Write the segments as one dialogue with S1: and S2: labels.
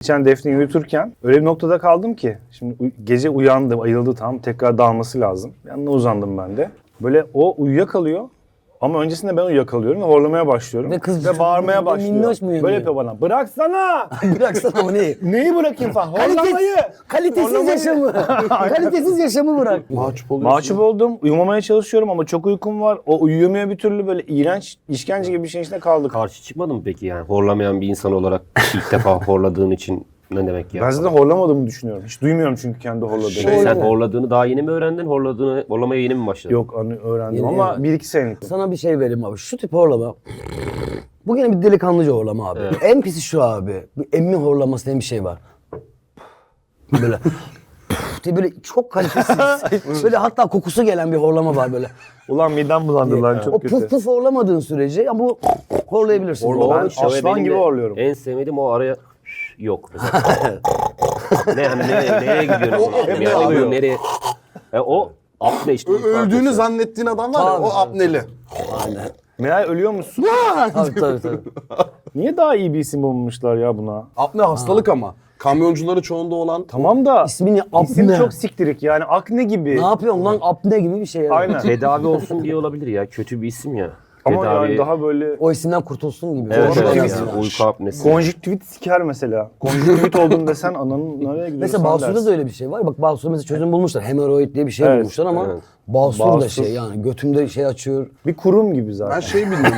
S1: geçen Defne'yi uyuturken öyle bir noktada kaldım ki. Şimdi gece uyandı, ayıldı tam. Tekrar dalması lazım. Yanına uzandım ben de. Böyle o uyuyakalıyor. Ama öncesinde ben uyuyakalıyorum ve horlamaya başlıyorum.
S2: Ve kız
S1: ve bağırmaya başlıyor.
S2: minnoş mu uyanıyor?
S1: Böyle yapıyor bana. Bıraksana!
S2: Bıraksana o neyi?
S1: Neyi bırakayım falan? Horlamayı!
S2: Kalitesiz yaşamı. Kalitesiz yaşamı bırak.
S3: Mahcup oluyorsun.
S1: Mahcup oldum. Uyumamaya çalışıyorum ama çok uykum var. O uyuyamıyor bir türlü, böyle iğrenç, işkence gibi bir şeyin içinde kaldık.
S4: Karşı çıkmadın mı peki yani? Horlamayan bir insan olarak ilk defa horladığın için ne demek ya?
S1: Ben zaten horlamadığımı düşünüyorum. Hiç duymuyorum çünkü kendi horladığımı.
S4: Sen horladığını daha yeni mi öğrendin? Horlamaya yeni mi başladın?
S1: Yok, öğrendim
S2: Yeni
S1: ama
S2: öğrendim.
S1: 1-2 senelik.
S2: Sana bir şey vereyim abi. Şu tip horlama. Bu yine bir delikanlıca horlama abi.
S4: Evet.
S2: En pisi şu abi. Bir emmi horlaması diye bir şey var. Böyle diye böyle çok kalitesiz. Böyle hatta kokusu gelen bir horlama var böyle.
S1: Ulan midem bulandı lan,
S2: O
S1: çok kötü.
S2: puf puf horlamadığın sürece ya bu horlayabilirsin.
S1: Ben
S4: işte
S1: aslan
S4: benim
S1: gibi
S4: de
S1: horluyorum.
S4: En sevmediğim o araya yok. Ne hani nereye gidiyorum?
S3: Hep
S4: Yani
S3: alıyor.
S4: bu nereye? O apne işte.
S3: Öldüğünü zannettiğin adam var ya,
S2: Tabii,
S3: o
S2: tabii.
S3: apneli.
S2: Aynen.
S1: Meğer ölüyor musun?
S2: Tabii.
S1: Niye daha iyi bir isim bulmuşlar ya buna?
S3: Apne hastalık ama. Kamyoncuları çoğunda olan.
S1: Tamam da
S2: İsmini
S1: isim
S2: apne.
S1: çok siktirik yani, akne gibi.
S2: Ne yapıyorsun lan apne gibi bir şey yani.
S1: Aynen.
S4: Tedavi olsun diye olabilir ya. Kötü bir isim ya.
S1: Ama
S4: Tedavi...
S1: yani daha böyle
S2: O isimden kurtulsun gibi.
S4: Evet,
S1: Doğru
S4: evet
S1: diyorsun.
S4: yani. Uyku apnesi.
S1: konjüktivit siker mesela. Konjüktivit oldun desen ananın nereye gidiyorsun?
S2: Mesela Basur'da da öyle bir şey var. Bak Basur'da mesela çözüm bulmuşlar. Hemoroid diye bir şey
S1: Evet,
S2: bulmuşlar ama
S4: evet.
S2: Basur da
S1: Basur.
S2: şey yani götümde şey açıyor.
S1: bir kurum gibi zaten.
S3: Ben şey bilmiyorum.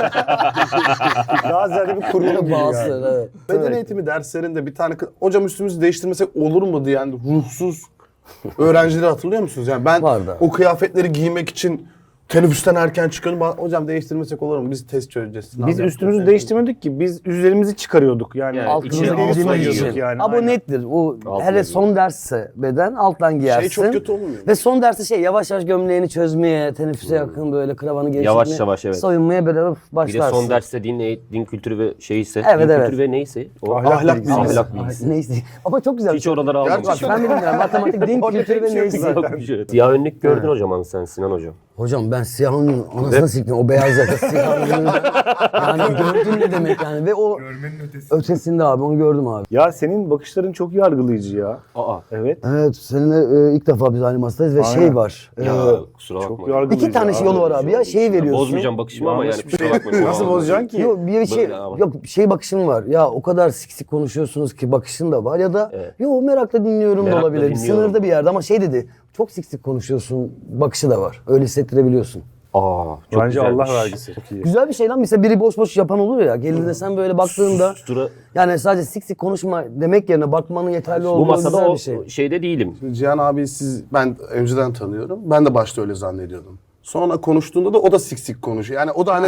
S1: Daha ziyade bir kurum gibi
S2: Basur
S1: yani.
S2: evet.
S3: Beden eğitimi derslerinde bir tane hocam üstümüzü değiştirmesek olur mu diyen ruhsuz öğrencileri hatırlıyor musunuz? Yani ben
S2: Vardı.
S3: o kıyafetleri giymek için teneffüsten erken çıkıyordum. Hocam değiştirmesek olur mu? Biz test çözeceğiz. sınav
S1: Biz
S3: yapacağız."
S1: üstümüzü değiştirmedik ki, biz üzerimizi çıkarıyorduk yani.
S4: Yani
S1: Altımızı
S4: içine
S1: geri
S4: altına
S1: soyuyorduk
S4: giyiyorduk.
S1: yani.
S2: Ama
S1: aynen.
S2: nettir. O
S4: Altına
S2: hele
S4: giyiyor.
S2: son dersse beden alttan giyersin.
S3: çok kötü olmuyor mu?
S2: Ve son derste şey yavaş yavaş gömleğini çözmeye, teneffüse yakın böyle kravanı gevşetmeye.
S4: Yavaş yavaş, evet.
S2: Soyunmaya böyle
S4: Bir de
S2: başlarsın.
S4: son derste din kültürü ve şeyse.
S2: Evet,
S4: din
S2: evet.
S4: kültürü ve neyse. O
S1: Ahlak bilgisi.
S4: Ahlak bilgisi.
S2: Neyse. Ama çok güzel.
S4: Hiç oraları almamış.
S2: Bak ben bilmiyorum. Matematik, din kültürü ve neyse.
S4: Siyah önlük gördün hocam sen Sinan hocam.
S2: Hocam ben siyahın anasını siktim. O beyaz yaka siyahın. Yani gördün ne demek yani. Ve o ötesinde abi onu gördüm abi.
S1: Ya senin bakışların çok yargılayıcı ya.
S4: Aa.
S1: Evet.
S2: Evet seninle ilk defa biz aynı masadayız ve
S1: Aynen.
S2: şey var.
S4: Ya kusura
S1: Çok
S4: bakma.
S1: yargılayıcı.
S2: İki tane yolu var abi ya. Şeyi veriyorsun.
S4: Bozmayacağım bakışımı ama yani
S1: Yanlış bir
S4: kusura
S1: şey.
S4: bakmayın.
S1: Nasıl bozacaksın ki?
S2: Yok bir şey
S4: Böyle ama.
S2: yok şey bakışın var. Ya o kadar sık konuşuyorsunuz ki bakışın da var ya da
S4: Evet.
S2: yok merakla dinliyorum da
S4: Merakla
S2: olabilir.
S4: dinliyorum.
S2: Sınırda bir yerde ama şey dedi. Çok sık konuşuyorsun bakışı da var. Öyle hissettirebiliyorsun.
S4: Aa, çok
S1: Bence
S4: güzelmiş.
S1: Allah vergisi. Çok iyi.
S2: Güzel bir şey lan. Mesela biri boş boş yapan olur ya. Geldiğinde sen böyle baktığında
S4: Sustura.
S2: yani sadece sık konuşma demek yerine bakmanın yeterli
S4: Bu
S2: olduğu
S4: masada
S2: güzel
S4: o
S2: bir şey.
S4: şeyde değilim.
S3: Cihan abi ben önceden tanıyorum. Ben de başta öyle zannediyordum. Sonra konuştuğunda da o da sik konuşuyor. Yani o da hani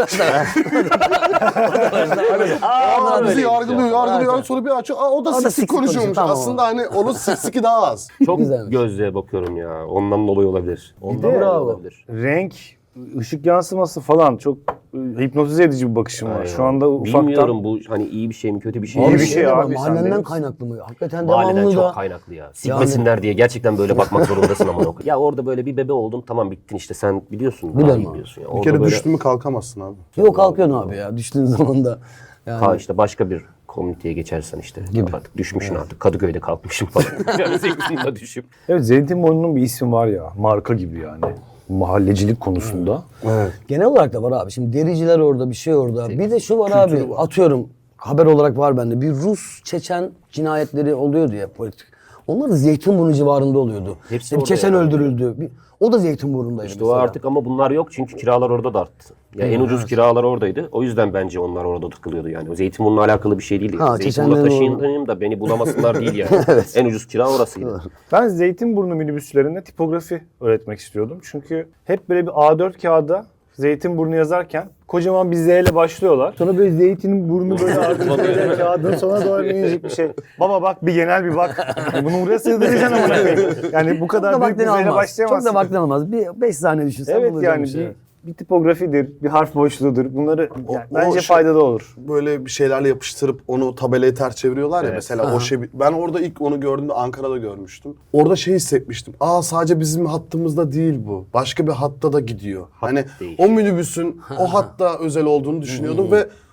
S3: bizi yargılıyor. Sonra bir açıyor. O da
S2: sik
S3: sik konuşuyormuş.
S2: konuşuyor, tamam.
S3: Aslında hani onun siki daha az.
S4: Çok
S2: Güzelmiş.
S4: gözlüğe bakıyorum ya. Ondan dolayı olabilir. Ondan dolayı
S2: Bravo.
S4: olabilir.
S1: Renk, ışık yansıması falan çok hipnotize edici bir bakışım var.
S4: Aynen.
S1: Şu anda ufaktan...
S4: Bilmiyorum bu hani iyi bir şey mi kötü bir şey
S1: İyi
S4: mi?
S1: bir şey
S2: de var,
S1: abi,
S2: mahallenden
S1: sen de-
S2: kaynaklı mı? Hakikaten
S4: Mahalleden
S2: devamlı
S4: çok
S2: da.
S4: kaynaklı ya. Sikmesinler diye gerçekten böyle bakmak zorundasın ama. Ya orada böyle bir bebe oldun tamam bittin işte sen biliyorsun. Daha
S2: Biliyorum
S4: iyi
S2: abi.
S4: biliyorsun ya.
S3: Bir
S4: Orada
S3: kere
S4: böyle
S3: düştün mü kalkamazsın abi.
S2: Yok kalkıyorsun abi ya düştüğün zaman da. Yani
S4: işte başka bir komüniteye geçersen işte. Artık düşmüşsün artık. Kadıköy'de kalkmışım falan. Yani zekisinde düşüp.
S1: Evet, Zeytinburnu'nun bir ismi var ya, marka gibi yani. Mahallecilik konusunda.
S3: Evet.
S2: genel olarak da var abi. Şimdi dericiler orada, bir şey orada. Bir de şu var abi. Atıyorum haber olarak var bende. Bir Rus Çeçen cinayetleri oluyordu ya politik. Onlar da Zeytinburnu civarında oluyordu.
S4: Hepsi
S2: Bir
S4: orada
S2: Çeçen
S4: yani.
S2: öldürüldü. O da Zeytinburnu'ndaydı
S4: İşte o
S2: mesela.
S4: artık ama bunlar yok çünkü kiralar orada da arttı. Ya en ucuz kiralar oradaydı. O yüzden bence onlar orada tıkılıyordu yani. O Zeytinburnu'na alakalı bir şey değil.
S2: Ha,
S4: Yani. Zeytinburnu'na
S2: Çeçenlerin
S4: taşıyayım da beni bulamasınlar değil yani. En ucuz kira orasıydı.
S1: Ben Zeytinburnu minibüslerinde tipografi öğretmek istiyordum. Çünkü hep böyle bir A4 kağıda Zeytinburnu yazarken kocaman bir Z ile başlıyorlar. Sonra böyle Zeytinburnu böyle artık böyle kağıdın sonuna doğru minicik bir şey. Baba bak bir genel bir bak. Bunu buraya sığdıracaksın ama. Yani bu
S2: Çok
S1: kadar
S2: da
S1: büyük bir Z
S2: vaktini
S1: ile
S2: almaz.
S1: başlayamazsın.
S2: Çok da vaktini almaz. Bir 5 saniye düşünsen
S1: Evet
S2: bulacağım
S1: yani
S2: bir şey.
S1: bir tipografidir, bir harf boşluğudur. Bunları yani
S3: o
S1: bence
S3: şey-
S1: faydalı olur.
S3: Böyle bir şeylerle yapıştırıp onu tabelayı ters çeviriyorlar ya mesela o şey. Ben orada ilk onu gördüğümde Ankara'da görmüştüm. Orada şey hissetmiştim. Sadece bizim hattımızda değil bu. Başka bir hatta da gidiyor. Hani
S4: değişiyor.
S3: o minibüsün o hatta özel olduğunu düşünüyordum ve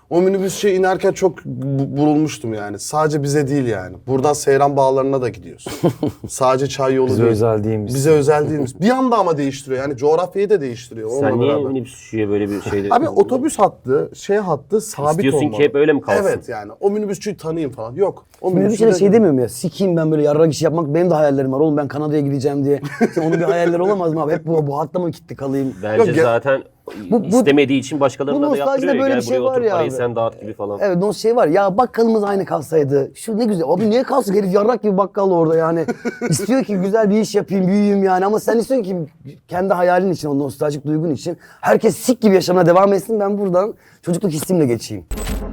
S3: O minibüsçe inerken çok burulmuştum yani. Sadece bize değil yani. Buradan Seyran Bağları'na da gidiyorsun. Sadece çay yolu
S1: Bize
S3: değil.
S1: özel değilmiş.
S3: Bize özel değilmiş. Bir anda ama değiştiriyor. Yani coğrafyayı da değiştiriyor.
S4: Sen
S3: onunla
S4: niye
S3: beraber.
S4: minibüsçüye böyle bir şey...
S3: Abi otobüs hattı, hattı sabit
S4: İstiyorsun
S3: olmalı.
S4: ki hep öyle mi kalsın?
S3: Evet yani. O minibüsçüyü tanıyayım falan. Yok. O
S2: Minibüsçe de
S3: de-
S2: şey demiyorum ya, sikeyim ben böyle yarrak işi yapmak, benim de hayallerim var oğlum, ben Kanada'ya gideceğim diye. Şimdi onun bir hayalleri olamaz mı abi? Hep bu hatta mı kilitli kalayım?
S4: Bence
S3: Yok,
S4: zaten
S2: bu-
S4: istemediği için
S2: bu
S4: başkalarına da
S2: nostaljide
S4: yaptırıyor.
S2: böyle
S4: Gel
S2: bir şey
S4: buraya
S2: var
S4: otur
S2: ya
S4: parayı
S2: abi.
S4: sen dağıt gibi falan.
S2: Evet, o şey var ya, bakkalımız aynı kalsaydı. Şu ne güzel. Abi niye kalsın, herif yarrak gibi bakkal orada yani. İstiyor ki güzel bir iş yapayım, büyüyeyim yani. Ama sen istiyorsun ki kendi hayalin için, o nostaljik duygun için herkes sik gibi yaşamına devam etsin. Ben buradan çocukluk hissimle geçeyim.